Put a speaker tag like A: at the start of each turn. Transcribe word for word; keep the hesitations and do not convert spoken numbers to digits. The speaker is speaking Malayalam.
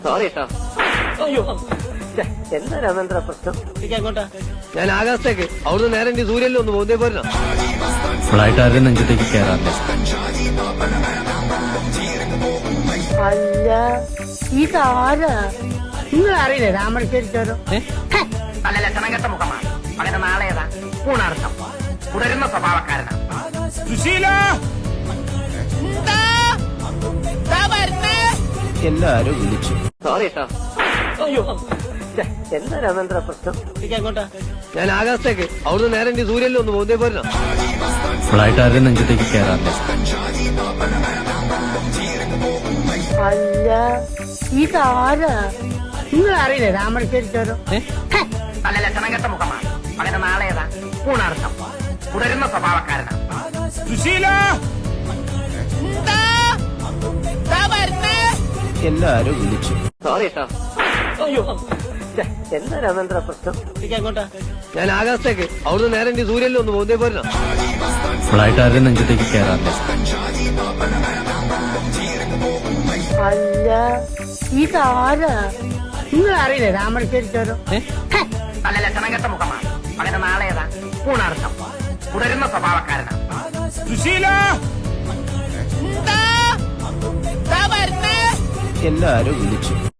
A: സോറി കേട്ടോ.
B: അയ്യോ
A: എന്താ രാമേന്ദ്ര പ്രശ്നം?
B: എങ്ങോട്ടാ?
A: ഞാൻ ആകാശത്തേക്ക് അവിടുന്ന് നേരെ എന്റെ സൂര്യനിൽ ഒന്ന് പോകുന്നേ പോരണം.
C: ഫ്ലൈറ്റ് ആരുടെ നെഞ്ചത്തേക്ക് കയറാറില്ല.
D: അല്ല ഇതാരാ? നിങ്ങൾ അറിയില്ലേ രാമശ്ശേരി ചോരം?
E: നല്ല ലക്ഷണം കെട്ട മുഖമാണ്. അങ്ങനെ നാളേതാ പൂണാർത്ഥം തുടരുന്ന സ്വഭാവക്കാരനാണ്.
C: എല്ലാരും വിളിച്ചു.
A: സോറി കേട്ടോ.
B: അയ്യോ
A: എന്താ രാമേന്ദ്ര പ്രശ്നം?
B: എങ്ങോട്ടാ?
A: ഞാൻ ആകാശത്തേക്ക് അവിടുന്ന് നേരെ എന്റെ സൂര്യനിൽ ഒന്ന് പോകുന്നേ പോരണം.
C: ഫ്ലൈറ്റ് ആരുടെ നെഞ്ചത്തേക്ക് കയറാറില്ല.
D: അല്ല ഇതാരാ? നിങ്ങൾ അറിയില്ലേ രാമശ്ശേരി ചോരം?
E: നല്ല ലക്ഷണം കെട്ട മുഖമാണ്. അങ്ങനെ നാളേതാ പൂണാർത്ഥം തുടരുന്ന സ്വഭാവക്കാരനാണ്.
C: എല്ലാരും വിളിച്ചു.
A: സോറി കേട്ടോ.
B: അയ്യോ
A: എന്താ രാമേന്ദ്ര പ്രശ്നം?
B: എങ്ങോട്ടാ?
A: ഞാൻ ആകാശത്തേക്ക് അവിടുന്ന് നേരെ എന്റെ സൂര്യനിൽ ഒന്ന് പോകുന്നേ പോരണം.
C: ഫ്ലൈറ്റ് ആരുടെ നെഞ്ചത്തേക്ക് കയറാറില്ല.
D: അല്ല ഇതാരാ? നിങ്ങൾ അറിയില്ലേ രാമശ്ശേരി ചോരം?
E: നല്ല ലക്ഷണം കെട്ട മുഖമാണ്. അങ്ങനെ നാളേതാ പൂണാർത്ഥം തുടരുന്ന സ്വഭാവക്കാരനാണ്.
C: എല്ലാരും വിളിച്ചു.